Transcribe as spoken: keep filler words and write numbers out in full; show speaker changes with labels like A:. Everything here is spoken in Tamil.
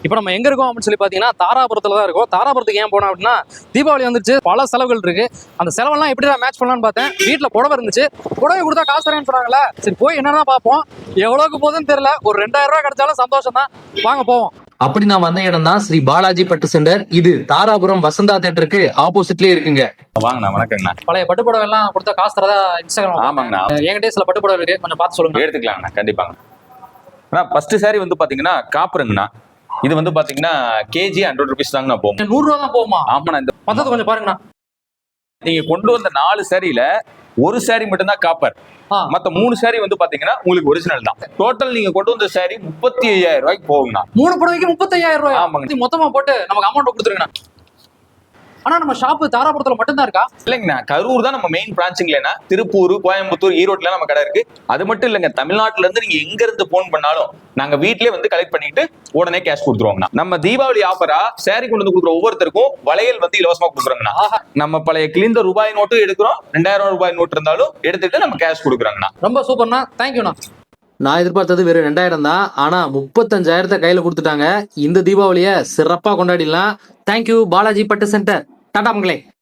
A: இப்போ நம்ம எங்க இருக்கோம் அப்படின்னு சொல்லி பாத்தீங்கன்னா தாராபுரத்துல தான் இருக்கும். தாராபுரத்துக்கு ஏன் போனோம் அப்படின்னா தீபாவளி வந்துருச்சு, பல செலவுகள் இருக்கு. அந்த செலவெல்லாம் எப்படி தான் மேட்ச் பண்ணலாம்னு பார்த்தேன். வீட்டுல புடவை இருந்துச்சு, புடவை கொடுத்தா காசு தரேன்னு சொன்னாங்களா, சரி போய் என்னன்னா பார்ப்போம். எவ்வளவுக்கு போகுதுன்னு தெரியல, ஒரு ரெண்டாயிரம் ரூபாய் கிடைச்சாலும் சந்தோஷம் தான். வாங்க போவோம்.
B: அப்படி நான் வந்த இடம் தான் ஸ்ரீ பாலாஜி பட்டு சென்டர். இது தாராபுரம் வசந்தா தியேட்டருக்கு ஆப்போசிட்லயே இருக்குங்க.
C: வாங்கண்ணா, வணக்கங்கண்ணா.
A: பழைய பட்டு புடவை எல்லாம் கொடுத்தா காசு தரதா இன்ஸ்டாகிராம்.
C: ஆமாங்கண்ணா,
A: என்கிட்டயே சில பட்டு புடவை இருக்கு, கொஞ்சம் பார்த்து சொல்லுங்க.
C: எடுத்துக்கலாங்கண்ணா, கண்டிப்பாங்க. அண்ணா ஃபர்ஸ்ட் சாரி வந்து பாத்தீங்கன்னா காப்பருங்கண்ணா. இது வந்து பாத்தீங்கன்னா கேஜி ஹண்ட்ரட் ருபீஸ் தாங்கண்ணா போகும்.
A: நூறு ரூபா தான் போகுமா?
C: ஆமாண்ணா. இந்த
A: மொத்தத்தை கொஞ்சம் பாருங்கண்ணா.
C: நீங்க கொண்டு வந்த நாலு சாரியில ஒரு சாரி மட்டும் தான் காப்பர், மத்த மூணு சாரி வந்து பாத்தீங்கன்னா உங்களுக்கு ஒரிஜினல் தான். டோட்டல் நீங்க கொண்டு வந்த சாரி முப்பத்தி ஐயாயிரம் ரூபாய்க்கு போகுங்கண்ணா.
A: மூணு புடவைக்கு முப்பத்தி ஐயாயிரம் ரூபாய்?
C: ஆமாங்க.
A: மொத்தமா போட்டு நமக்கு அமௌண்ட் கொடுத்துருங்கண்ணா. ஆனா நம்ம ஷாப்பு தாராபுரத்துல மட்டும்தான் இருக்கா?
C: இல்லைங்கண்ணா, கரூர் தான் நம்ம மெயின் பிரான்ச்சுங்களேண்ணா. திருப்பூர், கோயம்புத்தூர், ஈரோட்ல நம்ம கடை இருக்கு. அது மட்டும் இல்லைங்க, தமிழ்நாட்டுல இருந்து நீங்க எங்க இருந்து போன் பண்ணாலும் நாங்க வீட்லயே வந்து கலெக்ட் பண்ணிட்டு உடனே கேஷ் கொடுத்துருவோங்கண்ணா. நம்ம தீபாவளி ஆஃபரா சாரி கொண்டு வந்து கொடுக்குற ஒவ்வொருத்தருக்கும் வளையல் வந்து இலவசமா கொடுக்குறோங்கண்ணா. நம்ம பழைய கிழிந்த ரூபாய் நோட்டு எடுக்கிறோம், ரெண்டாயிரம் ரூபாய் நோட்டு இருந்தாலும் எடுத்துட்டு நம்ம கேஷ் கொடுக்குறாங்கண்ணா.
A: ரொம்ப சூப்பர்ண்ணா, தேங்க்யூண்ணா.
B: நான் எதிர்பார்த்தது வெறும் ரெண்டாயிரம் தான், ஆனா முப்பத்தஞ்சாயிரத்தை கையில கொடுத்துட்டாங்க. இந்த தீபாவளியை சிறப்பா கொண்டாடிடலாம். தேங்க்யூ பாலாஜி பட்டு சென்டர். டாடா மங்களே.